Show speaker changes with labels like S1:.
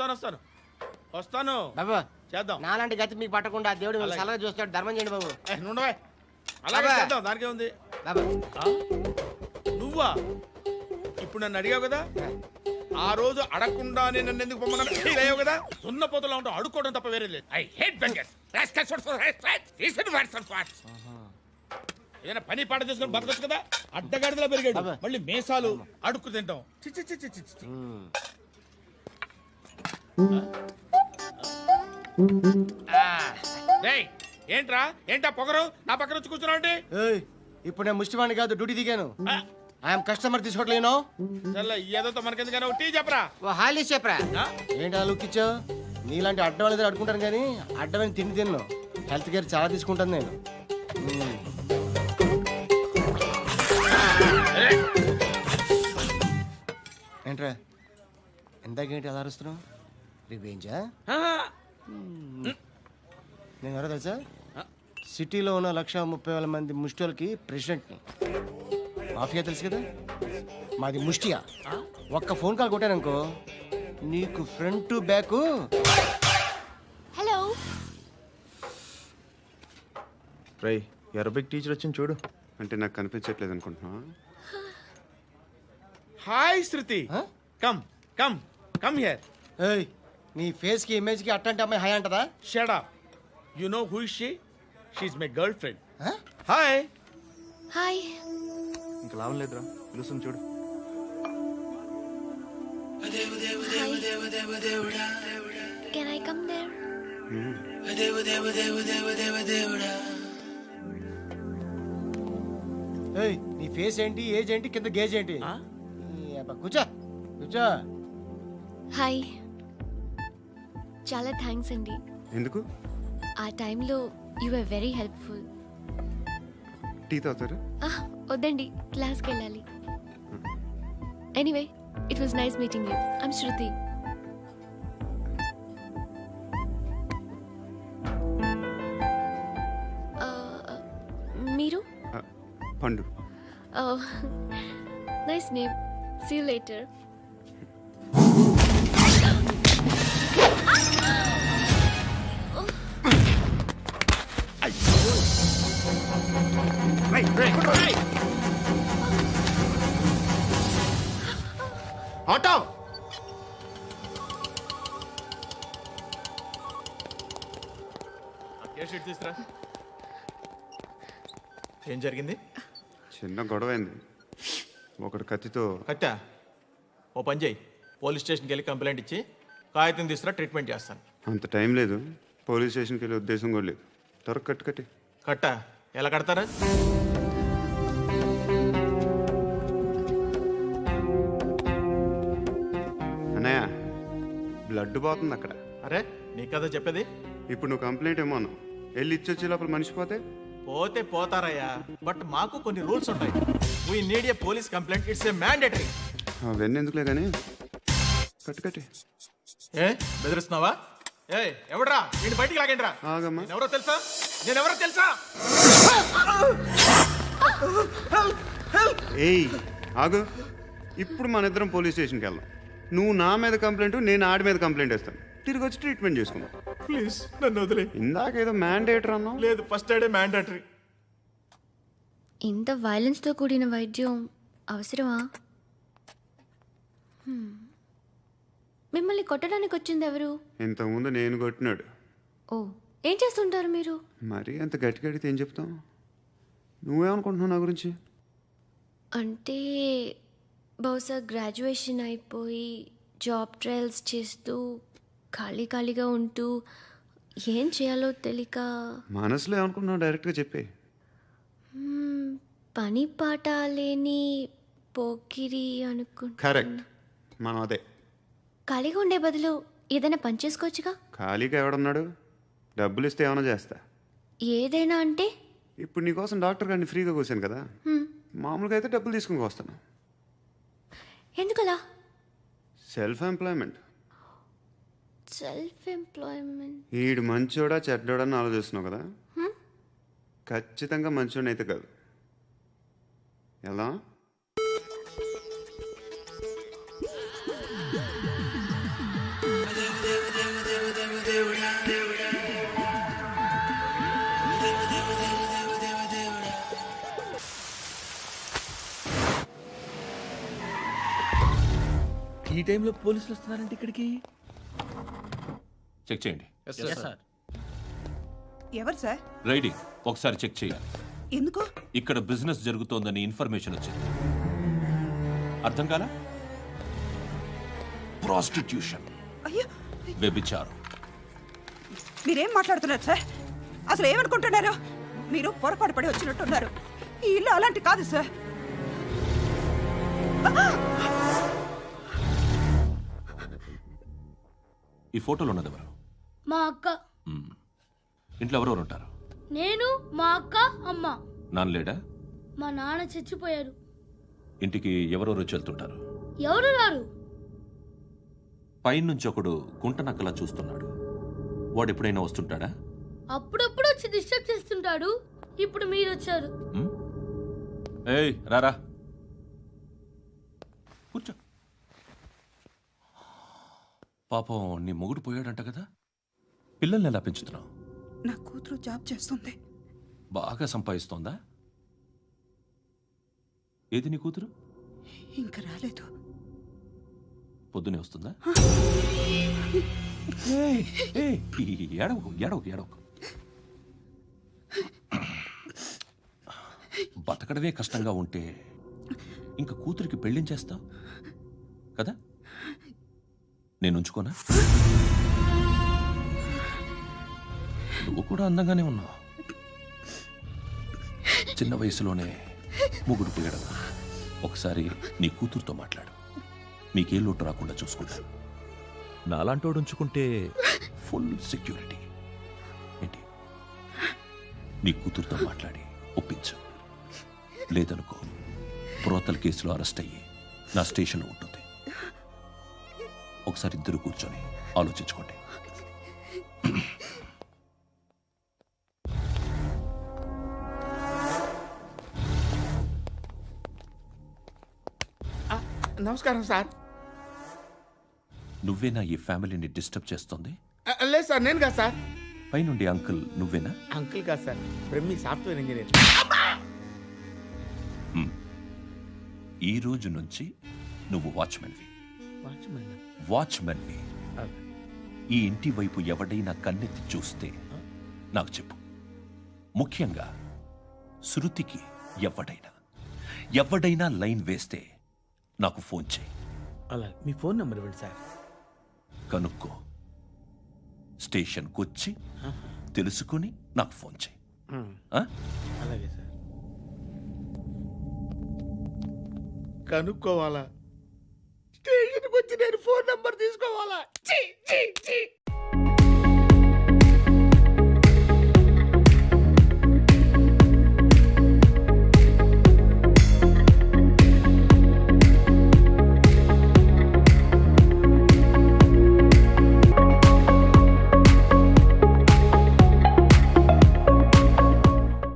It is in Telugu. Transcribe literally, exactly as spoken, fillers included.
S1: వస్తాను వస్తాను వస్తాను
S2: బాబు
S1: చేద్దాం.
S2: నాలాంటి గతి మీకు పట్టకుండా దేవుడు మిమ్మల్ని సలహా చూస్తాడు. ధర్మం చేయండి బాబు.
S1: ఏ, నుండవే అలాగే
S2: అబ్బా.
S1: చేద్దాం. దానికే ఉంది.
S2: బాబు
S1: నువ్వా ఇప్పుడు నన్ను అడిగావు కదా, ఆ రోజు అడగకుండా నేను నన్ను ఎందుకు పొమ్మన్నాను ఫీల్ అయ్యావు కదా. సున్న పోతలో ఉంటావు, అడుక్కోవడం తప్ప వేరే లేదు.
S3: I hate beggars. Rascals for rascals. Reason words and words.
S1: ఏదైనా పని పాట చేసుకుని బతకొచ్చు కదా. అడ్డగాడిదలా పెరిగాడు,
S2: అబ్బా.
S1: మళ్ళీ మేసాలు అడుక్కు తింటాం. చి చి చి చి చి చి. డేయ్, ఏంట్రా ఏంటా పొగరు నా పక్కన వచ్చి కూర్చున్నావు అంటే?
S2: ఏయ్, ఇప్పుడు నేను ముష్టివాణి కాదు, డ్యూటీ దిగాను. ఐఎమ్ కస్టమర్ తీసుకోవట్లేను.
S1: చల్ల ఏదో మనకెందుకైనా టీ చెప్పరా.
S2: ఓ హాలీ చెప్పరా.
S1: ఆ?
S2: ఏంటి అలా లుక్ ఇచ్చావు? నీలాంటి అడ్డం వాళ్ళ దగ్గర అడుకుంటాను కానీ అడ్డమైన తిండి తిన్ను. హెల్త్ కేర్ చాలా తీసుకుంటాను నేను. మ్మ్. ఏంట్రా ఎందాకేంటి అలా అరుస్తున్నావు? రివేంజా? నేను ఎవరో తెలుసా? సిటీలో ఉన్న లక్ష ముప్పై వేల మంది ముష్టిలకి ప్రెసిడెంట్ని. మాఫియా తెలుసు కదా, మాది ముష్టియా. ఒక్క ఫోన్ కాల్ కొట్టాననుకో నీకు ఫ్రంట్ టు బ్యాక్.
S4: హలో
S5: రై అరబిక్ టీచర్ వచ్చింది చూడు.
S6: అంటే నాకు కనిపించట్లేదు అనుకుంటున్నా.
S1: Hi Shruti,
S2: Huh?
S1: Come come come here.
S2: ఏయ్, నీ ఫేస్ కి ఇమేజ్ కి అట్టంటే అమ్మాయి హాయ్ అంటదా?
S1: Shut up. You know who is she? She is my girlfriend.
S2: Huh?
S1: Hi.
S4: Hi
S5: ఇంకా లాభం లేదురా, పిలుస్తుంది చూడు.
S4: Can I come there?
S2: ఏయ్, నీ ఫేస్ ఏంటి, ఏజ్ ఏంటి, కింద గేజ్ ఏంటి? ఈ అబ్బా, కూర్చో కూర్చో.
S4: హాయ్, చాలా థ్యాంక్స్ అండి.
S6: ఎందుకు?
S4: ఆ టైంలో you are very helpful.
S6: Tea తాగుతారు?
S4: వద్దండి, క్లాస్కి వెళ్ళాలి. Anyway, it was nice meeting you. I'm Shruti. మీరు?
S6: Pandu.
S4: Nice name. See you later.
S1: Auto. తీసురా.
S5: ఏం జరిగింది?
S6: చిన్న గొడవ అయింది. ఒకడు కత్తితో.
S5: కట్టా ఓ పని చేయి, పోలీస్ స్టేషన్కి వెళ్ళి కంప్లైంట్ ఇచ్చి కాగితం తీసుకురా, ట్రీట్మెంట్ చేస్తాను.
S6: అంత టైం లేదు, పోలీస్ స్టేషన్కి వెళ్ళే ఉద్దేశం కూడా లేదు. త్వరగా కట్టు కట్టి.
S5: కట్టా ఎలా కడతారా?
S6: అన్నయ్య, బ్లడ్ పోతుంది అక్కడ.
S5: అరే నీ కదా చెప్పేది.
S6: ఇప్పుడు నువ్వు కంప్లైంట్ ఏమో అన్నావు, వెళ్ళి ఇచ్చొచ్చే లోపల మనిషి పోతే?
S5: పోతే పోతారయ్యా, బట్ మాకు కొన్ని రూల్స్ ఉంటాయి. We need a police complaint, it's a mandatory.
S6: అవన్నీ ఎందుకులే కానీ కట్టు కట్టి.
S5: ఏ బెదిరిస్తున్నావా? ఏ ఎవడ్రా వీడిని బయటికి లాగండి రా.
S6: ఆగమ్మా.
S5: ఎవరో తెలుసా? నేనెవరో తెలుసా?
S6: ఏయ్ ఆగు, ఇప్పుడు మన ఇద్దరం పోలీస్ స్టేషన్కి వెళ్దాం. నువ్వు నా మీద కంప్లైంట్, నేను ఆడి మీద కంప్లైంట్ వేస్తాను. తిరిగి వచ్చి ట్రీట్మెంట్ చేసుకుందాం.
S5: ప్లీజ్ నన్ను వదిలే.
S6: ఇందాక ఏదో మ్యాండేటర్ అన్నావు.
S5: లేదు, ఫస్ట్ ఎయిడే మ్యాండేటరీ.
S4: ఇంత వైలెన్స్తో కూడిన వైద్యం అవసరమా? Hmm. మిమ్మల్ని కొట్టడానికి వచ్చింది ఎవరు?
S6: ఇంతకుముందు నేను కొట్టినాడు.
S4: ఓ, ఏం చేస్తుంటారు మీరు?
S6: మరి అంత గట్టిగా అడిగితే ఏం చెప్తాం? నువ్వేమనుకుంటున్నావు నా గురించి?
S4: అంటే బహుశా గ్రాడ్యుయేషన్ అయిపోయి జాబ్ ట్రయల్స్ చేస్తూ ఖాళీ ఖాళీగా ఉంటూ ఏం చేయాలో తెలియక.
S6: మనసులో ఏమనుకుంటున్నావు డైరెక్ట్గా చెప్పే.
S4: hmm, పని పాట లేని పోకిరి అనుకుంటా.
S6: కరెక్ట్, మనం అదే.
S4: ఖాళీగా ఉండే బదులు ఏదైనా పని చేసుకోవచ్చుగా.
S6: ఖాళీగా ఎవడున్నాడు? డబ్బులు ఇస్తే ఏమైనా చేస్తా.
S4: ఏదైనా అంటే?
S6: ఇప్పుడు నీకోసం డాక్టర్ గారిని ఫ్రీగా కూర్చాను కదా,
S4: హ్మ్.
S6: మామూలుగా అయితే డబ్బులు తీసుకుని వస్తాను.
S4: ఎందుకలా?
S6: Self employment.
S4: Self employment.
S6: ఈడు మంచోడా చెడ్డోడా అని ఆలోచిస్తున్నావు కదా, ఖచ్చితంగా మంచోడని అయితే కాదు. ఎలా?
S1: ఈ టైంలో పోలీసులు వస్తున్నారంటే ఇక్కడికి?
S7: చెక్ చేయండి.
S8: ఎవరు సార్?
S7: రైడింగ్ ఒకసారి చెక్ చేయాలి.
S8: ఎందుకు?
S7: ఇక్కడ బిజినెస్ జరుగుతోందని ఇన్ఫర్మేషన్ వచ్చింది. అర్థం కాలా? ప్రాస్టిట్యూషన్,
S8: అయ్యో,
S7: వ్యభిచారం.
S8: మీరేం మాట్లాడుతున్నారు సార్? అసలు ఏమనుకుంటున్నారు? మీరు పొరపాటు పడి వచ్చినట్టున్నారు. ఈ ఇల్లు అలాంటి కాదు సార్.
S7: ఈ ఫోటోలో ఉన్నది ఎవరు?
S9: మా అక్క.
S7: మ్మ్. ఇంట్లో ఎవరెవరు ఉంటారు?
S9: నేను, మా అక్క, అమ్మ.
S7: నాన్న లేడా?
S9: మా నాన్న చచ్చిపోయారు.
S7: ఇంటికి ఎవరెవరు వచ్చి వెళ్తుంటారు?
S9: ఎవరు రారు.
S7: పైనుంచి ఒకడు గుంట నక్కలా చూస్తున్నాడు. వాడు ఎప్పుడైనా వస్తుంటాడా?
S9: అప్పుడప్పుడు వచ్చి డిస్టర్బ్ చేస్తుంటాడు. ఇప్పుడు మీరు వచ్చారు.
S7: మ్మ్? ఏయ్ రారా, కూర్చో. పాపం నీ మొగుడు పోయాడంట కదా, పిల్లల్ని ఎలా పెంచుతున్నావు?
S8: నా కూతురు జాబ్ చేస్తుంది.
S7: బాగా సంపాదిస్తోందా? ఏది నీ కూతురు?
S8: ఇంకా రాలేదు.
S7: పొద్దునే వస్తుందా? ఏయ్, ఏయ్, ఏడవకు ఏడవకు ఏడవకు. బతకడమే కష్టంగా ఉంటే ఇంకా కూతురికి పెళ్ళించేస్తావు కదా? నేను ఉంచుకోనా? నువ్వు కూడా అందంగానే ఉన్నావు. చిన్న వయసులోనే ముగ్గురు పోయడం. ఒకసారి నీ కూతురుతో మాట్లాడు. మీకే లోటు రాకుండా చూసుకుంటాను. నాలాంటోడు ఉంచుకుంటే ఫుల్ సెక్యూరిటీ. ఏంటి? నీ కూతురుతో మాట్లాడి ఒప్పించు. లేదనుకో ప్రోతల కేసులో అరెస్ట్ అయ్యి నా స్టేషన్లో ఉంటుంది. ఒకసారి ఇద్దరు కూర్చొని ఆలోచించుకోండి.
S1: నమస్కారం సార్.
S7: నువ్వేనా ఈ ఫ్యామిలీని డిస్టర్బ్ చేస్తుంది?
S1: ఆ, లేదు సార్, నేను కాదు సార్.
S7: పైనుండి అంకుల్ నువ్వేనా?
S1: అంకుల్ కాదు సార్, బ్రహ్మి సాఫ్ట్వేర్ ఇంజనీర్.
S7: ఈ రోజు నుంచి నువ్వు వాచ్మెన్వి.
S1: వాచ్మెన్.
S7: వాచ్మెన్వి. ఈ ఇంటి వైపు ఎవడైనా కన్నెత్తి చూస్తే నాకు చెప్పు. ముఖ్యంగా శృతికి ఎవడైనా ఎవడైనా లైన్ వేస్తే నాకు ఫోన్ చేయి.
S1: అలా మీ ఫోన్ నెంబర్ ఇవ్వండి సార్.
S7: కనుక్కో, స్టేషన్కి వచ్చి తెలుసుకుని నాకు ఫోన్ చేయి. ఆ?
S1: అలాగే సార్. కనుక్కోవాలా? స్టేషన్కి వచ్చి నేను ఫోన్ నెంబర్ తీసుకు